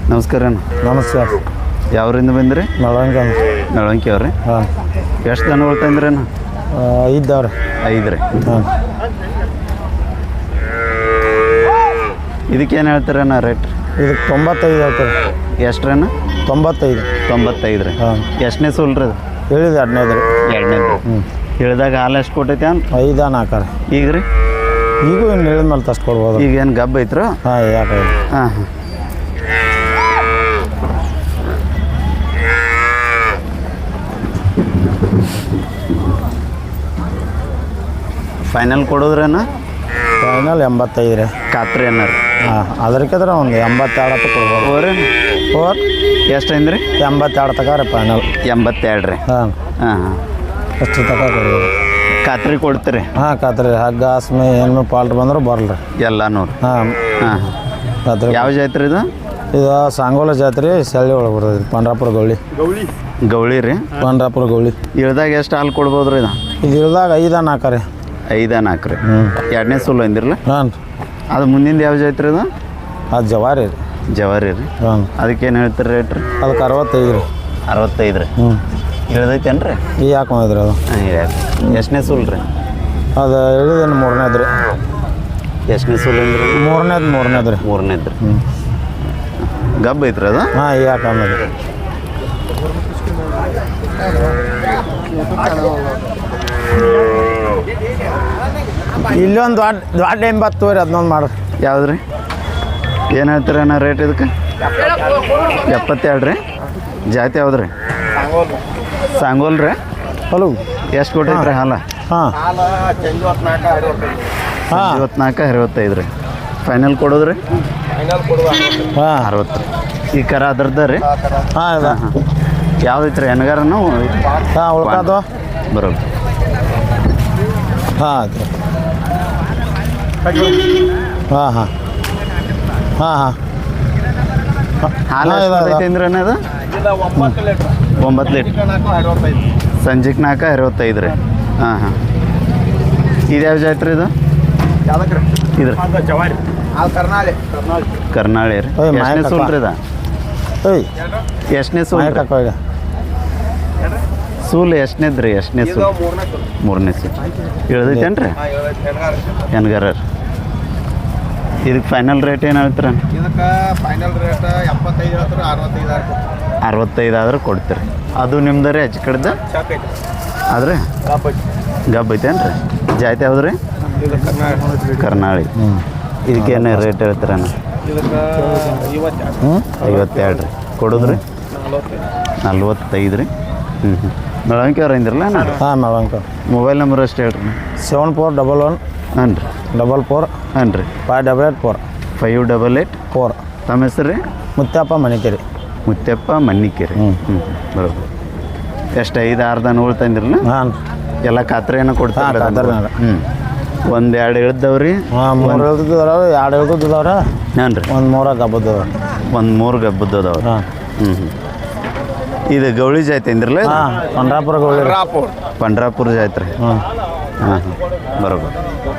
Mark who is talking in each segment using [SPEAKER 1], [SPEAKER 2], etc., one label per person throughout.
[SPEAKER 1] ನಮಸ್ಕಾರ ಅಣ್ಣ.
[SPEAKER 2] ನಮಸ್ಕಾರ.
[SPEAKER 1] ಯಾವ್ರಿಂದ ಬಂದ್ರಿ? ನಳವಂಕಿ ಅವ್ರಿ.
[SPEAKER 2] ಹಾಂ.
[SPEAKER 1] ಎಷ್ಟು ದನಗಳು ತಂದ್ರಿ ಅಣ್ಣ?
[SPEAKER 2] 5 ಅವ್ರಿ.
[SPEAKER 1] 5 ರೀ.
[SPEAKER 2] ಹಾಂ.
[SPEAKER 1] ಇದಕ್ಕೇನು ಹೇಳ್ತೀರಣ್ಣ ರೇಟ್?
[SPEAKER 2] ಇದಕ್ಕೆ 95 ಹೇಳ್ತಾರೆ.
[SPEAKER 1] ಎಷ್ಟ್ರಣ್ಣ?
[SPEAKER 2] 95.
[SPEAKER 1] 95 ರೀ.
[SPEAKER 2] ಹಾಂ.
[SPEAKER 1] ಎಷ್ಟನೇ ಸೂಲ್ ರೀ ಅದು?
[SPEAKER 2] ಹೇಳಿದೆ 15 ರೀ.
[SPEAKER 1] 2ನೇದು.
[SPEAKER 2] ಹ್ಞೂ.
[SPEAKER 1] ಹೇಳಿದಾಗ ಹಾಲು ಎಷ್ಟು ಕೊಟ್ಟೈತೆ ಅಂತ?
[SPEAKER 2] 5 4
[SPEAKER 1] ಈಗ ರೀ?
[SPEAKER 2] ಈಗೂ ಇನ್ನು ಹೇಳಿದ ಮೇಲೆ ತಷ್ಟು ಕೊಡ್ಬೋದು.
[SPEAKER 1] ಈಗ ಏನು ಗಬ್ಬ ಐತ್ರ?
[SPEAKER 2] ಹಾಂ. ಯಾಕೆ?
[SPEAKER 1] ಹಾಂ ಹಾಂ. ಫೈನಲ್ ಕೊಡೋದ್ರೇನ?
[SPEAKER 2] ಫೈನಲ್ 85 ರೀ.
[SPEAKER 1] ಖಾತ್ರಿ ಅನ್ನಾರ?
[SPEAKER 2] ಹಾಂ. ಅದಕ್ಕಿದ್ರೆ ಒಂದು 82 ಹತ್ತು ಕೊಡ್ಬೋದು.
[SPEAKER 1] ಓರ್ ಎಷ್ಟು ಅಂದ್ರಿ?
[SPEAKER 2] 82 ತಕ ರೀ ಫೈನಲ್.
[SPEAKER 1] 82 ರೀ.
[SPEAKER 2] ಹಾಂ.
[SPEAKER 1] ಹಾಂ ಹಾಂ.
[SPEAKER 2] ಅಷ್ಟು ತಕ ಕೊಡ್ಬೋದು.
[SPEAKER 1] ಖಾತ್ರಿ ಕೊಡ್ತೀರಿ?
[SPEAKER 2] ಹಾಂ. ಖಾತ್ರಿ ಹಗ್ಗ ಹಸ್ಮೆ ಹೆಣ್ಮೆ ಪಾಲ್ಟ್ ಬಂದ್ರೆ ಬರಲ್ರಿ
[SPEAKER 1] ಎಲ್ಲ ನೋಡಿ.
[SPEAKER 2] ಹಾಂ.
[SPEAKER 1] ಹಾಂ.
[SPEAKER 2] ಖಾತ್ರಿ.
[SPEAKER 1] ಯಾವ ಜಾತ್ರೆ ಇದು?
[SPEAKER 2] ಇದು ಸಾಂಗೋಲ ಜಾತ್ರೆ ಸಳ್ಳಿ ಒಳಗೆ ಬರ್ತದೆ ರೀ. ಪಂಡ್ರಾಪುರ ಗೌಳಿ.
[SPEAKER 1] ಗೌಳಿ ರೀ?
[SPEAKER 2] ಪಂಡ್ರಾಪುರ ಗೌಳಿ.
[SPEAKER 1] ಇಳ್ದಾಗ ಎಷ್ಟು ಹಾಲು ಕೊಡ್ಬೋದು ರೀ ಇದು?
[SPEAKER 2] ಇದು ಇಳ್ದಾಗ 5 4 ರೀ.
[SPEAKER 1] 5 4 ರೀ.
[SPEAKER 2] ಹ್ಞೂ.
[SPEAKER 1] 2ನೇ ಸೂಲು ಅಂದಿರಲ್ಲ?
[SPEAKER 2] ಹಾಂ.
[SPEAKER 1] ಅದು ಮುಂದಿಂದ ಯಾವ ಜಾತ್ರೆ ಇದು?
[SPEAKER 2] ಅದು ಜವಾರಿ ರೀ.
[SPEAKER 1] ಜವಾರಿ ರೀ.
[SPEAKER 2] ಹಾಂ.
[SPEAKER 1] ಅದಕ್ಕೇನು ಹೇಳ್ತೀರಿ ರೇಟ್ ರೀ?
[SPEAKER 2] ಅದಕ್ಕೆ 65 ರೀ.
[SPEAKER 1] 65 ರೀ.
[SPEAKER 2] ಹ್ಞೂ.
[SPEAKER 1] ಇಳ್ದೈತೇನು ರೀ?
[SPEAKER 2] ಈಗ ಹಾಕೊಂಡಿದ್ರಿ ಅದು.
[SPEAKER 1] ಹಾಂ. ಎಷ್ಟನೇ ಸೂಲು ರೀ?
[SPEAKER 2] ಅದು ಹೇಳಿದೇನು 3ನೇದು ರೀ.
[SPEAKER 1] ಎಷ್ಟನೇ ಸೂಲು ಅಂದ್ರಿ?
[SPEAKER 2] 3ನೇದು ರೀ.
[SPEAKER 1] 3ನೇದು ರೀ.
[SPEAKER 2] ಹ್ಞೂ.
[SPEAKER 1] ಗಬ್ಬ ಐತ್ರಿ ಅದು?
[SPEAKER 2] ಹಾಂ. ಈಗ ಹಾಕೊಂಡಿದ್ರಿ. ಇಲ್ಲೊಂದು ದೊಡ್ಡ 80 ರೀ. ಅದನ್ನೊಂದು ಮಾಡ್ರಿ.
[SPEAKER 1] ಯಾವ್ದು ರೀ? ಏನು ಹೇಳ್ತೀರ ಅಣ್ಣ ರೇಟ್ ಇದಕ್ಕೆ? 72 ರೀ. ಜಾತಿ ಯಾವ್ದು ರೀ? ಸಾಂಗೋಲ್ ರೀ.
[SPEAKER 2] ಹಲೋ.
[SPEAKER 1] ಎಷ್ಟು ಕೊಟ್ಟೈತ್ರಿ ಹಾಲು?
[SPEAKER 2] ಹಾಂ. ಹಾಂ.
[SPEAKER 1] 54 65 ರೀ. ಫೈನಲ್ ಕೊಡೋದ್ರಿ?
[SPEAKER 2] ಹಾಂ.
[SPEAKER 1] 60 ರೀ. ಈ ಕರ ಅದ್ರದ್ದು ರೀ?
[SPEAKER 2] ಹಾಂ. ಇದೆ.
[SPEAKER 1] ಹಾಂ. ಯಾವ್ದೈತ್ರಿ? ಎನಗಾರನು?
[SPEAKER 2] ಹಾಂ. ಉಳ್ಕಾದು
[SPEAKER 1] ಬರೋದು.
[SPEAKER 2] ಹಾಂ. ಆಯ್ತು. ಹಾಂ ಹಾಂ. ಹಾಂ ಹಾಂ.
[SPEAKER 1] ಹಾಲು ಐತೆ ಅಂದ್ರೆ ಅದು? 9 ಲೀಟ್ರ್. ಸಂಜೆಗೆ 4 65 ರೀ. ಹಾಂ ಹಾಂ. ಇದು ಯಾವ ಜಾತ್ರೆ ಇದು? ಇದು ಕರ್ನಾಳಿ ರೀ. ಎಷ್ಟನೇ ಸೂಲ್ ರೀ ಇದು? ಎಷ್ಟನೇ ಸೂಲ್? ಸೂಲ್ ಎಷ್ಟನೇದು ರೀ? ಎಷ್ಟನೇ ಸೂಲ್? 3ನೇ ಸೂಲ್. ಇಳ್ದೈತೇನು ರೀ? ಹೆಣ್ಗಾರ ರೀ. ಇದಕ್ಕೆ ಫೈನಲ್ ರೇಟ್ ಏನು ಹೇಳ್ತೀರ?
[SPEAKER 3] ಇದಕ್ಕೆ ಫೈನಲ್ ರೇಟ್ 75 ಹೇಳ್ತಾರೆ.
[SPEAKER 1] 65 ಆದ್ರೆ ಕೊಡ್ತೀರಿ. ಅದು ನಿಮ್ದು ರೀ ಹೆಚ್ಚು ಕಡೆದ? ಆದ್ರೆ ಗಬ್ಬ ಐತೇನು ರೀ? ಜಾತಿ ಯಾವ್ದು ರೀ? ಕರ್ನಾಳಿ. ಇದಕ್ಕೇನು ರೇಟ್ ಹೇಳ್ತೀರಣ್ಣ? 52 ರೀ. ಕೊಡೋದ್ರಿ? 45 ರೀ. ಹ್ಞೂ ಹ್ಞೂ. ಮೆಳವಂಕಿ ಅವ್ರು ಅಂದಿರಲ್ಲ?
[SPEAKER 2] ಹಾಂ. ಮೆಳವಂಕಿ.
[SPEAKER 1] ಮೊಬೈಲ್ ನಂಬರ್ ಅಷ್ಟು ಹೇಳ್ರಿ.
[SPEAKER 2] 7411.
[SPEAKER 1] ಹಾಂ ರೀ.
[SPEAKER 2] 44.
[SPEAKER 1] ಹಾಂ ರೀ.
[SPEAKER 2] 588
[SPEAKER 1] 588
[SPEAKER 2] 4.
[SPEAKER 1] ತಮ್ಮ ಹೆಸರು ರೀ?
[SPEAKER 2] ಮುತ್ತಪ್ಪ ಮಣಿಕೇರಿ.
[SPEAKER 1] ಮುತ್ತಪ್ಪ ಮನ್ನಿಕೇರಿ.
[SPEAKER 2] ಹ್ಞೂ
[SPEAKER 1] ಹ್ಞೂ. ಬರೋದು. ಎಷ್ಟು 5 6 ದನಗಳು ತಂದಿರಲ್ಲ?
[SPEAKER 2] ಹಾಂ.
[SPEAKER 1] ಎಲ್ಲ ಖಾತ್ರಿಯನ್ನು ಕೊಡ್ತಾರೆ?
[SPEAKER 2] ಖಾತ್ರಿನಾಗ.
[SPEAKER 1] ಹ್ಞೂ. 1 2 ಇಳ್ದವ್ರಿ?
[SPEAKER 2] ಹಾಂ. 3 ಇಳ್ದಿದ್ದವ್ರಿ. 2 ಇಳ್ದಿದ್ದವ್ರ.
[SPEAKER 1] ಹಾಂ ರೀ.
[SPEAKER 2] 1 3 ಗಬ್ಬದ್ದವ.
[SPEAKER 1] 1 3 ಗಬ್ಬದ್ದವ್ರಿ.
[SPEAKER 2] ಹಾಂ.
[SPEAKER 1] ಹ್ಞೂ ಹ್ಞೂ. ಇದು ಗೌಳಿ ಜಾತಿ ಅಂದಿರಲ್ಲ?
[SPEAKER 2] ಹಾಂ. ಪಂಡ್ರಾಪುರ ಗೌಳಿ.
[SPEAKER 1] ಪಂಡ್ರಾಪುರ ಜಾತ್ರೆ.
[SPEAKER 2] ಹಾಂ.
[SPEAKER 1] ಹಾಂ ಹಾಂ. ಬರೋಬರ್.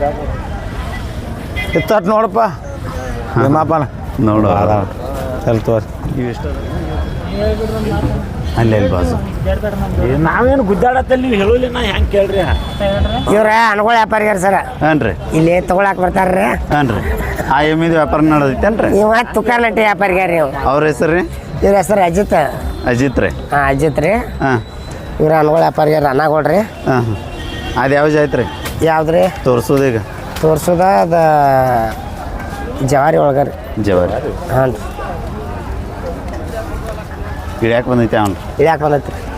[SPEAKER 2] ಇತ್ತು ನೋಡಪ್ಪ. ನಿಮ್ಮಪ್ಪನ
[SPEAKER 1] ನೋಡು.
[SPEAKER 2] ಎಲ್ಲಿ ತೋರಿ.
[SPEAKER 1] ಇವೆಷ್ಟು? ಅಲ್ಲಿ ಬಾಜು
[SPEAKER 4] ನಾವೇನು ಗುದ್ದಾಡತ್ತಲ್ಲಿ ನೀವು ಹೇಳೋಲಿ ನಾ ಹೆಂಗೆ ಕೇಳ್ರಿ?
[SPEAKER 5] ಇವ್ರ ಅನುಗಳ ವ್ಯಾಪಾರಿಗಾರ ಸರ.
[SPEAKER 1] ಹಾಂ ರೀ.
[SPEAKER 5] ಇಲ್ಲಿ ತಗೊಳಕ್ ಬರ್ತಾರ್ರಿ.
[SPEAKER 1] ಹಾಂ ರೀ. ಆ ಎಮ್ಮಿದು ವ್ಯಾಪಾರ ನಡೆದೈತೇನು ರೀ?
[SPEAKER 5] ಇವ ತುಕಾನಟ್ಟಿ ವ್ಯಾಪಾರಿಗಾರ ರೀ.
[SPEAKER 1] ಅವ್ರ ಹೆಸರು ರೀ?
[SPEAKER 5] ಇವ್ರ ಹೆಸರು ಅಜಿತ್.
[SPEAKER 1] ಅಜಿತ್ ರೀ.
[SPEAKER 5] ಹಾಂ. ಅಜಿತ್ ರೀ.
[SPEAKER 1] ಹಾಂ.
[SPEAKER 5] ಇವ್ರ ಅನುಗಳ ವ್ಯಾಪಾರಿಗಾರ ಅನ್ನಗೊಳ್ರಿ.
[SPEAKER 1] ಹಾಂ ಹಾಂ. ಅದು ಯಾವ ಜಾತ್ರೆ?
[SPEAKER 5] ಯಾವ್ದ್ರಿ
[SPEAKER 1] ತೋರಿಸೋದೀಗ?
[SPEAKER 5] ತೋರ್ಸೋದ ಅದು ಜವಾರಿ ಒಳಗಾರಿ.
[SPEAKER 1] ಜವಾರಿ.
[SPEAKER 5] ಹಾಂ ರೀ.
[SPEAKER 1] ಇಳ್ಯಾಕೆ ಬಂದೈತೆ ಅವ್ನು?
[SPEAKER 5] ಇಳ್ಯಾಕೆ ಬಂದೈತಿ ರೀ.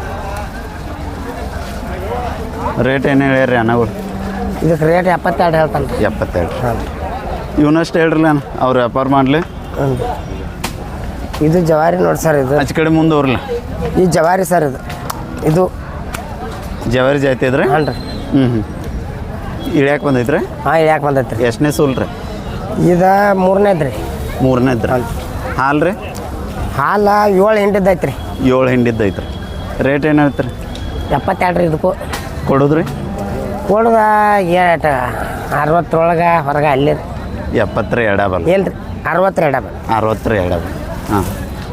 [SPEAKER 1] ರೇಟ್ ಏನು ಹೇಳ್ಯಾರ ರೀ ಅನ್ನಗಳು?
[SPEAKER 5] ಇದಕ್ಕೆ ರೇಟ್ 72 ಹೇಳ್ತಾನೆ ರೀ.
[SPEAKER 1] 72.
[SPEAKER 5] ಹಾಂ.
[SPEAKER 1] ಇವನಷ್ಟು ಹೇಳ್ರಲ್ಲ ಅಣ್ಣ ಅವ್ರು ವ್ಯಾಪಾರ ಮಾಡಲಿ.
[SPEAKER 5] ಹ್ಞೂ. ಇದು ಜವಾರಿ ನೋಡಿ ಸರ್. ಇದು
[SPEAKER 1] ಆಚೆ ಕಡೆ ಮುಂದೆ ಅವ್ರಲ್ಲ?
[SPEAKER 5] ಈ ಜವಾರಿ ಸರ್. ಇದು
[SPEAKER 1] ಜವಾರಿ ಜಾತಿ ಇದ್ರೆ?
[SPEAKER 5] ಹಾಂ ರೀ.
[SPEAKER 1] ಹ್ಞೂ ಹ್ಞೂ. ಇಳ್ಯಾಕೆ ಬಂದೈತ್ರಿ?
[SPEAKER 5] ಹಾಂ. ಇಳ್ಯಾಕೆ ಬಂದೈತಿ ರೀ.
[SPEAKER 1] ಎಷ್ಟನೇ ಸೂಲ್ ರೀ?
[SPEAKER 5] ಇದು 3ನೇದು ರೀ.
[SPEAKER 1] 3ನೇದು ರೀ. ಹಾಲು ರೀ?
[SPEAKER 5] ಹಾಲು 7 ಹಿಂಡಿದ್ದೈತೆ ರೀ.
[SPEAKER 1] 7 ಹಿಂಡಿದ್ದೈತೆ ರೀ. ರೇಟ್ ಏನು ಹೇಳ್ತೀರಿ?
[SPEAKER 5] 72 ರೀ. ಇದಕ್ಕೂ
[SPEAKER 1] ಕೊಡೋದ್ರಿ?
[SPEAKER 5] ಕೊಡುದ 60 ಒಳಗೆ ಹೊರಗೆ ಅಲ್ಲಿ ರೀ.
[SPEAKER 1] 70 ಎಡಬಲ್?
[SPEAKER 5] ಇಲ್ಲ ರೀ. 60 ಎಡಬಲ್.
[SPEAKER 1] 60 ಎಡಬಲ್. ಹಾಂ.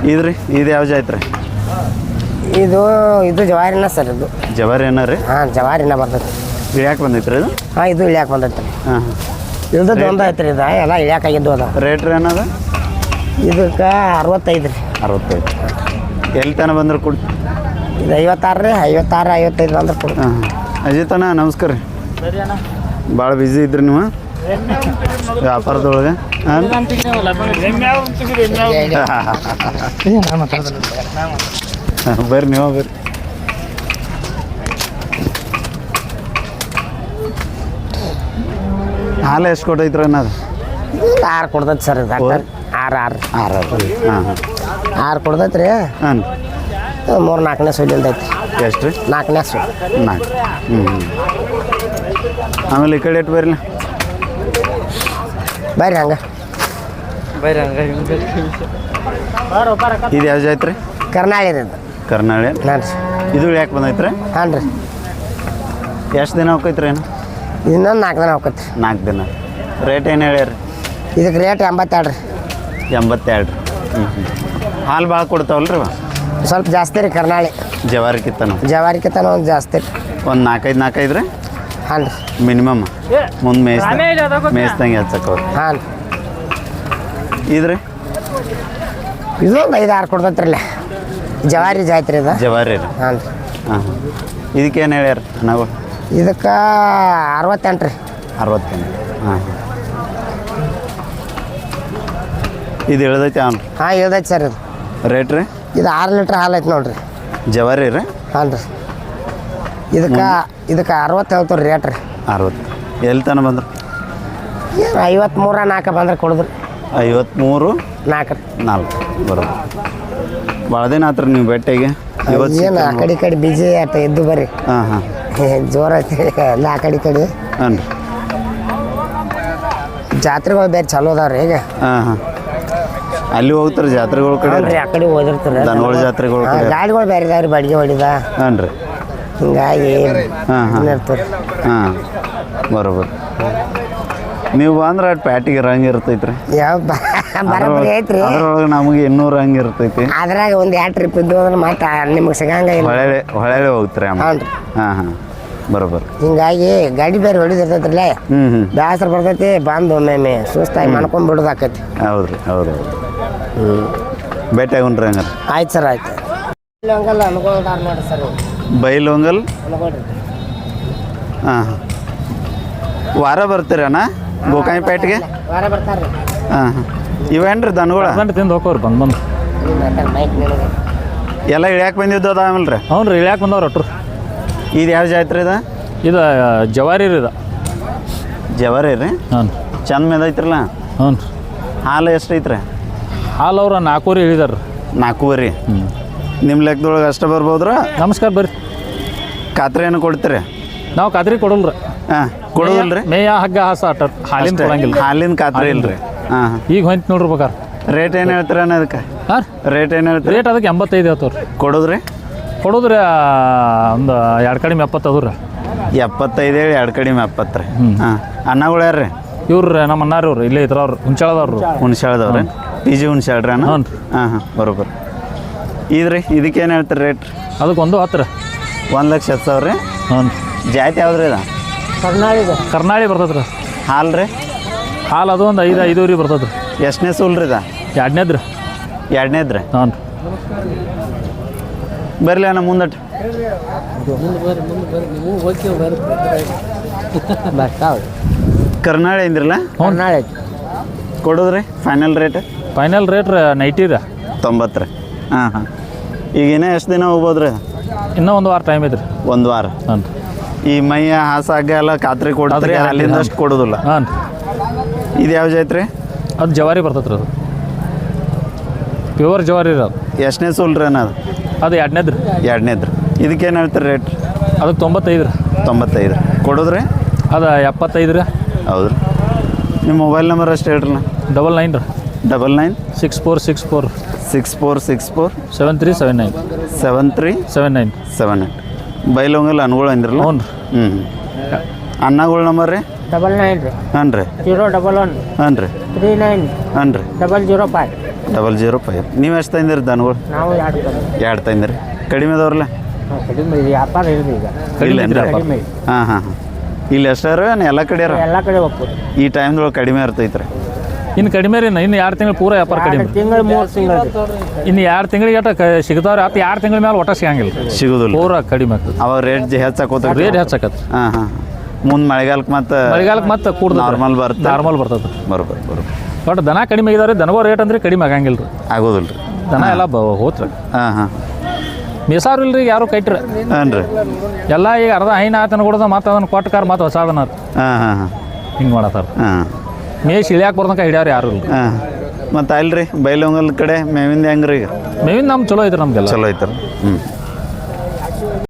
[SPEAKER 1] ಇದ್ರಿ ಇದು ಯಾವ ಜಾತ್ರೆ
[SPEAKER 5] ಇದು ಜವಾರಿನ ಸರ್ ಇದು.
[SPEAKER 1] ಜವಾರಿ ಏನ ರೀ
[SPEAKER 5] ಹಾಂ ಜವಾರಿನ ಬರ್ತೈತಿ.
[SPEAKER 1] ಇಳ್ಯಾಕೆ ಬಂದೈತ್ರಿ ಇದು
[SPEAKER 5] ಹಾಂ ಇದು ಇಳ್ಯಾಕೆ ಬಂದೈತಿ.
[SPEAKER 1] ಹಾಂ
[SPEAKER 5] ಇಳ್ದದ್ದು ಒಂದು ಐತ್ರಿ ಇದು ಎಲ್ಲ ಇಳ್ಯಾಕಾಗಿದ್ದು ಅದ.
[SPEAKER 1] ರೇಟ್ ರೀ ಏನದ
[SPEAKER 5] ಇದಕ್ಕೆ 65 ರೀ.
[SPEAKER 1] 65 ಎಲ್ಲಿ ತನಕ ಬಂದ್ರೆ ಕೊಡಿ.
[SPEAKER 5] ಇದು 56 ರೀ. 56 55 ಅಂದ್ರೆ ಕೊಡು.
[SPEAKER 1] ಹಾಂ ಅಜಿತಣ್ಣ ನಮಸ್ಕಾರ ರೀ. ಭಾಳ ಬ್ಯುಸಿ ಇದ್ರಿ ನೀವು ವ್ಯಾಪಾರದೊಳಗೆ. ಹಾಂ ಬರ್ರಿ ನೀವು ಬರ್ರಿ. ಹಾಲು ಎಷ್ಟು ಕೊಟ್ಟೈತ್ರಿ ಅನ್ನೋದು
[SPEAKER 5] 6 ಕೊಡ್ತೈತಿ ಸರ್ ಇದು ಡಾಕ್ಟರ್. 6
[SPEAKER 1] ಹಾಂ ಹಾಂ
[SPEAKER 5] 6 ಕೊಡ್ತೈತಿ ರೀ.
[SPEAKER 1] ಹಾಂ
[SPEAKER 5] 3-4ನೇ ಸುಲಿಂದ ಐತಿ.
[SPEAKER 1] ಎಷ್ಟು ರೀ
[SPEAKER 5] 4ನೇ ಸುಲ್.
[SPEAKER 1] 4 ಆಮೇಲೆ ಈ ಕಡೆ ಇಟ್ಟು ಬರ್ರಿ
[SPEAKER 5] ಬರ್ರಿ ಹಂಗೆ.
[SPEAKER 1] ಇದು ಯಾವ ಜಾತ್ರೆ
[SPEAKER 5] ಕರ್ನಾಳಿ ರೀ ಇದು.
[SPEAKER 1] ಕರ್ನಾಳಿ
[SPEAKER 5] ಹಾಂ ರೀ.
[SPEAKER 1] ಇದು ಯಾಕೆ ಬಂದೈತ್ರಿ
[SPEAKER 5] ಹಾಂ ರೀ.
[SPEAKER 1] ಎಷ್ಟು ದಿನ ಹೋಗೈತ್ರಿ ಏನು
[SPEAKER 5] ಇನ್ನೊಂದು 4 ದಿನ ಹೋಗತ್ರಿ.
[SPEAKER 1] 4 ದಿನ. ರೇಟ್ ಏನು ಹೇಳ್ಯಾರಿ
[SPEAKER 5] ಇದಕ್ಕೆ ರೇಟ್ 82 ರೀ.
[SPEAKER 1] 82 ಹಾಲು ಭಾಳ ಕೊಡ್ತಾವಲ್ರಿ
[SPEAKER 5] ಸ್ವಲ್ಪ ಜಾಸ್ತಿ ರೀ ಕರ್ನಾಳಿ.
[SPEAKER 1] ಜವಾರಿಕಿತ್ತನು
[SPEAKER 5] ಜವಾರಿಕಿತನ ಒಂದು ಜಾಸ್ತಿ ರೀ.
[SPEAKER 1] ಒಂದು 4-5 ರೀ
[SPEAKER 5] ಹಾಂ ರೀ.
[SPEAKER 1] ಮಿನಿಮಮ್ ಮುಂದೆ ಮೇಯ್ಸ್ದಂಗೆ ಹಚ್ಚಕ್ಕವ್ರಿ.
[SPEAKER 5] ಹಾಂ
[SPEAKER 1] ಇದ್ರಿ
[SPEAKER 5] ಇದು ಒಂದು 5-6 ಕೊಡ್ತೈತ್ರಿ ಇಲ್ಲ ಜವಾರಿ ಜಾತ್ರೆ ಇದು.
[SPEAKER 1] ಜವಾರಿ ರೀ
[SPEAKER 5] ಹಾಂ ರೀ.
[SPEAKER 1] ಹಾಂ ಹಾಂ ಇದಕ್ಕೇನು ಹೇಳ್ಯಾರ ನಾವು
[SPEAKER 5] ಇದಕ್ಕೆ 68 ರೀ.
[SPEAKER 1] 68 ಹಾಂ ಇದು ಇಳ್ದೈತಿ ಅವ್ನು
[SPEAKER 5] ಹಾಂ ಇಳ್ದೈತಿ ಸರ್ ಇದು.
[SPEAKER 1] ರೇಟ್ ರೀ
[SPEAKER 5] ಇದು 6 ಲೀಟ್ರ್ ಹಾಲು ಐತೆ ನೋಡ್ರಿ.
[SPEAKER 1] ಜವಾರಿ ರೀ
[SPEAKER 5] ಹಾಂ ರೀ. ಇದಕ್ಕೆ 60 ಹೇಳ್ತೀವಿ ರೀ ರೇಟ್ ರೀ.
[SPEAKER 1] 60 ಎಲ್ಲಿ ತನಕ ಬಂದ್ರು
[SPEAKER 5] 53-4 ಬಂದ್ರೆ ಕೊಡಿದ್ರಿ.
[SPEAKER 1] 53-4 ಬರೋದು. ಭಾಳ ದಿನ ಆತ್ರಿ ನೀವು ಭೇಟಿಗೆ ಇವತ್ತು
[SPEAKER 5] ಏನು ಆ ಕಡೆ ಈ ಕಡೆ ಬಿಜಿ ಆಟ ಎದ್ದು ಬರ್ರಿ.
[SPEAKER 1] ಹಾಂ ಹಾಂ
[SPEAKER 5] ಜೋರು ಐತಿ ಎಲ್ಲ ಆ ಕಡೆ ಈ ಕಡೆ.
[SPEAKER 1] ಹಾಂ ರೀ
[SPEAKER 5] ಜಾತ್ರೆಗಳು ಬೇರೆ ಚಲೋ ಅದಾವ್ರಿ ಈಗ.
[SPEAKER 1] ಹಾಂ ಹಾಂ ಅಲ್ಲಿ ಹೋಗ್ತಾರೆ ಜಾತ್ರೆಗಳ ಕಡೆ
[SPEAKER 5] ರೀ ಆ ಕಡೆ ಹೋದಿರ್ತಾರೆ.
[SPEAKER 1] ದನಗಳ ಜಾತ್ರೆಗಳ ಕಡೆ
[SPEAKER 5] ಗಾಡಿಗಳು ಬೇರೆ ಇದಾವ್ರಿ ಬಾಡಿಗೆ ಹೊಡಿದ.
[SPEAKER 1] ಹಾಂ ರೀ
[SPEAKER 5] ಹಿಂಗಾಗಿ
[SPEAKER 1] ಹಾಂ ಹಾಂ
[SPEAKER 5] ಇರ್ತದೆ.
[SPEAKER 1] ಹಾಂ ಬರೋಬರ್. ನೀವು ಬಂದ್ರೆ ಅಟ್ ಪ್ಯಾಟಿಗೆ ರಂಗ್ ಇರ್ತೈತ್ರಿ.
[SPEAKER 5] ಯಾವ ಬರೋಬ್ಬರಿ ಐತ್ರಿ.
[SPEAKER 1] ಅದ್ರೊಳಗೆ ನಮಗೆ 200 ಹಂಗೆ ಇರ್ತೈತಿ.
[SPEAKER 5] ಅದ್ರಾಗ ಒಂದು 2 ಟ್ರಿಪ್ ಇದ್ದು ಅಂದ್ರೆ ಮತ್ತೆ ನಿಮ್ಗೆ ಸಿಗಂಗ ಇಲ್ಲ.
[SPEAKER 1] ಹೊಳೆ ಹೋಗ್ತಾರೆ ಅಮ್ಮ.
[SPEAKER 5] ಹಾಂ ರೀ.
[SPEAKER 1] ಹಾಂ ಹಾಂ ಬರೋಬರ್.
[SPEAKER 5] ಹಿಂಗಾಗಿ ಗಾಡಿ ಬೇರೆ ಹೊಡಿದಿರ್ತೈತ್ರಲ್ಲ
[SPEAKER 1] ಹ್ಞೂ
[SPEAKER 5] ಬೇಸರ ಬರ್ತೈತಿ. ಬಂದು ಒಮ್ಮೆ ಸುಸ್ತಾಗಿ ಮಾಡ್ಕೊಂಡು ಬಿಡೋದಾಕೈತಿ.
[SPEAKER 1] ಹೌದು ರೀ ಹೌದು ಭೇಟಿ ಆಗೋಣ್ರಿ ಹಂಗಾರೆ.
[SPEAKER 5] ಆಯ್ತು ಸರ್ ಆಯ್ತು. ಹಂಗಲ್ಲ ಅನುಕೂಲದಾರ ನೋಡ್ರಿ ಸರ್
[SPEAKER 1] ಬೈಲೊಂಗಲ್.
[SPEAKER 5] ಅನ್ಕೊಳ್ರಿ.
[SPEAKER 1] ಹಾಂ ಹಾಂ ವಾರ ಬರ್ತೀರಿ ಅಣ್ಣ ಗೋಕಾಯಿಪೇಟೆಗೆ.
[SPEAKER 5] ವಾರ ಬರ್ತಾರ್ರಿ.
[SPEAKER 1] ಹಾಂ ಹಾಂ ಇವೇನ್ರಿ ದನಗಳ
[SPEAKER 4] ತಿಂದು ಹೋಗೋರು ಬಂದು
[SPEAKER 5] ಮೈಕ್ ನಿನಗೆ
[SPEAKER 1] ಎಲ್ಲ ಇಳ್ಯಾಕೆ ಬಂದಿದ್ದು ಅದ ಆಮೇಲೆ ರೀ.
[SPEAKER 4] ಹ್ಞೂ ರೀ ಇಳ್ಯಾಕೆ ಬಂದವ್ರು ಒಟ್ರು.
[SPEAKER 1] ಇದು ಯಾವ ಜಾತ್ರೆ ಇದು
[SPEAKER 4] ಇದು ಜವಾರಿ ರೀ ಇದು.
[SPEAKER 1] ಜವಾರಿ ರೀ
[SPEAKER 4] ಹಾಂ
[SPEAKER 1] ಚಂದ ಮೇದೈತ್ರಲ್ಲ.
[SPEAKER 4] ಹ್ಞೂ ರೀ.
[SPEAKER 1] ಹಾಲು ಎಷ್ಟು ಐತ್ರಿ
[SPEAKER 4] ಹಾಲು ಅವ್ರು 4 ಹೇಳಿದಾರೆ.
[SPEAKER 1] 4
[SPEAKER 4] ಹ್ಞೂ
[SPEAKER 1] ನಿಮ್ಮ ಲೆಕ್ಕದೊಳಗೆ ಅಷ್ಟು ಬರ್ಬೋದ್ರ.
[SPEAKER 4] ನಮಸ್ಕಾರ ಬರ್ರಿ.
[SPEAKER 1] ಖಾತ್ರಿ ಏನು ಕೊಡ್ತೀರಿ
[SPEAKER 4] ನಾವು ಖಾತ್ರಿ ಕೊಡಲ್ಲ ರೀ.
[SPEAKER 1] ಹಾಂ ಕೊಡೋದಿಲ್ಲ ರೀ.
[SPEAKER 4] ಮೇಯ ಹಗ್ಗ ಹಾಸ ಆಟ ಹಾಲಿನ ಕೊಡಂಗಿಲ್ಲ.
[SPEAKER 1] ಹಾಲಿನ ಖಾತ್ರಿ ಇಲ್ಲ ರೀ. ಹಾಂ ಹಾಂ
[SPEAKER 4] ಈಗ ಹೊಂತ ನೋಡ್ರಿ ಬೇಕಾರೆ.
[SPEAKER 1] ರೇಟ್ ಏನು ಹೇಳ್ತೀರ ಅದಕ್ಕೆ
[SPEAKER 4] ಹಾಂ
[SPEAKER 1] ರೇಟ್ ಏನು ಹೇಳ್ತೀರಿ.
[SPEAKER 4] ರೇಟ್ ಅದಕ್ಕೆ 85 ಹೇಳ್ತಾವ್ರಿ.
[SPEAKER 1] ಕೊಡೋದ್ರಿ
[SPEAKER 4] ಕೊಡೋದ್ರಿ ಒಂದು 2 ಕಡಿಮೆ 70 ಅದು ರೀ.
[SPEAKER 1] 75 ಹೇಳಿ 2 ಕಡಿಮೆ 70 ರೀ. ಹಾಂ ಅನ್ನಗಳು ಯಾರು ರೀ
[SPEAKER 4] ಇವ್ರು ನಮ್ಮ ಅಣ್ಣಾರಿ ಅವ್ರು ಇಲ್ಲೇ ಇದ್ರವ್ರು ಹುಂಚಾಳದವ್ರು.
[SPEAKER 1] ಹುಣ್ಸಾಳ್ದವ್ರಿ ಪಿ ಜಿ ಹುಣ್ಸಾಳ್ರಿ ಅಣ್ಣ.
[SPEAKER 4] ಹ್ಞೂ ರೀ.
[SPEAKER 1] ಹಾಂ ಹಾಂ ಬರೋಬ್ಬರ. ಇದ್ರಿ ಇದಕ್ಕೇನು ಹೇಳ್ತೀರಿ ರೇಟ್.
[SPEAKER 4] ಅದಕ್ಕೆ 110 ರೀ.
[SPEAKER 1] 1,10,000 ರೀ.
[SPEAKER 4] ಹ್ಞೂ
[SPEAKER 1] ಜಾತಿ ಯಾವ್ದು ರೀ ಇದು
[SPEAKER 5] ಕರ್ನಾಳಿಗೆ
[SPEAKER 4] ಕರ್ನಾಳಿ ಬರ್ತದೆ ರೀ.
[SPEAKER 1] ಹಾಲು ರೀ
[SPEAKER 4] ಹಾಲು ಅದು ಒಂದು 5 ಬರ್ತದೆ ರೀ.
[SPEAKER 1] ಎಷ್ಟನೇ ಸೂಲ್ ರೀ ಇದು
[SPEAKER 4] 2ನೇದು ರೀ.
[SPEAKER 1] 2ನೇದು ರೀ.
[SPEAKER 4] ಹ್ಞೂ ರೀ.
[SPEAKER 1] ಬರಲಿ ಅಣ್ಣ ಮುಂದಟ್ಟು ಕರ್ನಾಳಿ ಅಂದ್ರಲ್ಲ
[SPEAKER 5] ಕರ್ನಾಳಿ
[SPEAKER 1] ಕೊಡೋದ್ರಿ ಫೈನಲ್ ರೇಟ್.
[SPEAKER 4] ಫೈನಲ್ ರೇಟ್ ರೀ 90 ರೀ.
[SPEAKER 1] 90 ರೀ. ಹಾಂ ಹಾಂ ಈಗ ಇನ್ನೂ ಎಷ್ಟು ದಿನ ಹೋಗ್ಬೋದು ರೀ.
[SPEAKER 4] ಇನ್ನೂ 1 ವಾರ ಟೈಮ್ ಐತ್ರಿ.
[SPEAKER 1] 1 ವಾರ.
[SPEAKER 4] ಹಾಂ ರೀ.
[SPEAKER 1] ಈ ಮೈಯ ಹಾಸಾಗ ಎಲ್ಲ ಖಾತ್ರಿ ಕೊಡ್ತಾರೆ
[SPEAKER 4] ಅದು
[SPEAKER 1] ಅಲ್ಲಿಂದ ಅಷ್ಟು ಕೊಡೋದಿಲ್ಲ.
[SPEAKER 4] ಹಾಂ ರೀ.
[SPEAKER 1] ಇದು ಯಾವ ಜಾತ್ರೆ
[SPEAKER 4] ಅದು ಜವಾರಿ ಬರ್ತೈತೆ ರೀ. ಅದು ಪ್ಯೂರ್ ಜವಾರಿ ರೀ. ಅದು
[SPEAKER 1] ಎಷ್ಟನೇ ಸೂಲ್ ರೀ ಅನ್ನೋದು
[SPEAKER 4] ಅದು 2ನೇದು ರೀ.
[SPEAKER 1] 2ನೇದು ರೀ. ಇದಕ್ಕೇನು ಹೇಳ್ತೀರಿ ರೇಟ್.
[SPEAKER 4] ಅದಕ್ಕೆ 95 ರೀ.
[SPEAKER 1] 95 ಕೊಡೋದ್ರಿ.
[SPEAKER 4] ಅದು 75 ರೀ.
[SPEAKER 1] ಹೌದು ರೀ. ನಿಮ್ಮ ಮೊಬೈಲ್ ನಂಬರ್ ಅಷ್ಟು ಹೇಳ್ರಿ.
[SPEAKER 4] 99 ರೀ.
[SPEAKER 1] 99
[SPEAKER 4] 6464
[SPEAKER 1] 6464
[SPEAKER 4] 7379
[SPEAKER 1] 7379
[SPEAKER 4] 78
[SPEAKER 1] ಬೈಲೊಂಗಲ್ ಅನ್ಗಳು ಅಂದ್ರಲ್ಲ.
[SPEAKER 4] ಹ್ಞೂ ರೀ.
[SPEAKER 1] ಹ್ಞೂ ಅನ್ನಗಳ ನಂಬರ್ ರೀ
[SPEAKER 5] 99
[SPEAKER 1] ಹಾಂ ರೀ
[SPEAKER 5] 011
[SPEAKER 1] ಹಾಂ ರೀ
[SPEAKER 5] 39
[SPEAKER 1] ಹಾಂ ರೀ
[SPEAKER 5] 005
[SPEAKER 1] 00 ನೀವು ಎಷ್ಟು ತಂದಿರಿ ದನಗಳು?
[SPEAKER 5] ನಾವು
[SPEAKER 1] ಎರಡು ತಂದಿರಿ. ಕಡಿಮೆ ಅದಾವ್ರಲ್ಲ?
[SPEAKER 5] ಕಡಿಮೆ ವ್ಯಾಪಾರ ಹೇಳಿದೆ ಈಗ
[SPEAKER 1] ಇಲ್ಲೇನ್ರಿ?
[SPEAKER 5] ಕಡಿಮೆ
[SPEAKER 1] ಹಾಂ ಹಾಂ ಹಾಂ. ಇಲ್ಲಿ ಎಷ್ಟಾರ ಎಲ್ಲ ಕಡೆ
[SPEAKER 5] ಎಲ್ಲ ಕಡೆ ಹೋಗ್ಬೋದು.
[SPEAKER 1] ಈ ಟೈಮ್ದೊಳಗೆ ಕಡಿಮೆ ಇರ್ತೈತೆ ರೀ.
[SPEAKER 4] ಇನ್ನು ಕಡಿಮೆ ರೀ ಇನ್ನು 2 ತಿಂಗಳು ಪೂರ ವ್ಯಾಪಾರ ಕಡಿಮೆ.
[SPEAKER 5] ತಿಂಗಳು 3 ತಿಂಗಳು
[SPEAKER 4] ಇನ್ನು 2 ತಿಂಗಳಿಗೆ ಸಿಗ್ತಾವ್ರಿ. ಅದು 2 ತಿಂಗಳ ಮೇಲೆ ಒಟ್ಟ ಸಿಗಂಗಿಲ್ಲ,
[SPEAKER 1] ಸಿಗೋದಿಲ್ಲ.
[SPEAKER 4] ಪೂರ ಕಡಿಮೆ ಆಗ್ತದೆ.
[SPEAKER 1] ಅವಾಗ ರೇಟ್ ಹೆಚ್ಚಾಕೋತ
[SPEAKER 4] ರೇಟ್ ಹೆಚ್ಚಾಕತ್ತೆ.
[SPEAKER 1] ಹಾಂ ಹಾಂ. ಮುಂದೆ ಮಳೆಗಾಲಕ್ಕೆ ಮತ್ತು
[SPEAKER 4] ಮಳೆಗಾಲಕ್ಕೆ ಮತ್ತೆ ಕೂಡ
[SPEAKER 1] ನಾರ್ಮಲ್ ಬರ್ತದೆ.
[SPEAKER 4] ನಾರ್ಮಲ್ ಬರ್ತದೆ.
[SPEAKER 1] ಬರೋಬ್ಬರ
[SPEAKER 4] ಬಟ್ ದನ ಕಡಿಮೆ ಆಗಿದಾವ್ರಿ. ದನಗೋ ರೇಟ್ ಅಂದ್ರೆ ಕಡಿಮೆ ಆಗಂಗಿಲ್ಲ ರೀ.
[SPEAKER 1] ಆಗೋದಿಲ್ಲ ರೀ.
[SPEAKER 4] ದನ ಎಲ್ಲ ಹೋತ್ರಿ.
[SPEAKER 1] ಹಾಂ ಹಾಂ.
[SPEAKER 4] ಮೇಸಾರು ಇಲ್ರಿ ಯಾರು ಕೈಟ್ರಿ.
[SPEAKER 1] ಹಾಂ ರೀ.
[SPEAKER 4] ಎಲ್ಲ ಈಗ ಅರ್ಧ ಹೈನ ಆತನ ಕೊಡೋದು ಮತ್ತೆ ಅದನ್ನು ಕೊಟ್ಟಕಾರ ಮತ್ತೆ ಹೊಸಾದನ
[SPEAKER 1] ಹಾಂ ಹಾಂ ಹಾಂ.
[SPEAKER 4] ಹಿಂಗೆ ಮಾಡತ್ತಾರ.
[SPEAKER 1] ಹಾಂ.
[SPEAKER 4] ಮೇಸ್ ಇಳಿಯಾಕೆ ಬರ್ದಂಕ ಹಿಡಿಯಾರ ಯಾರು ಇಲ್ಲ.
[SPEAKER 1] ಹಾಂ. ಮತ್ತು ಅಲ್ರಿ ಬೈಲೊಂಗಲ್ ಕಡೆ ಮೇವಿಂದ ಹೆಂಗೆ ರೀ ಈಗ?
[SPEAKER 4] ಮೇವಿನ ನಮ್ಮ ಚಲೋ ಐತ್ರಿ ನಮ್ಗೆಲ್ಲ.
[SPEAKER 1] ಚಲೋ ಐತಲ್ಲ. ಹ್ಞೂ.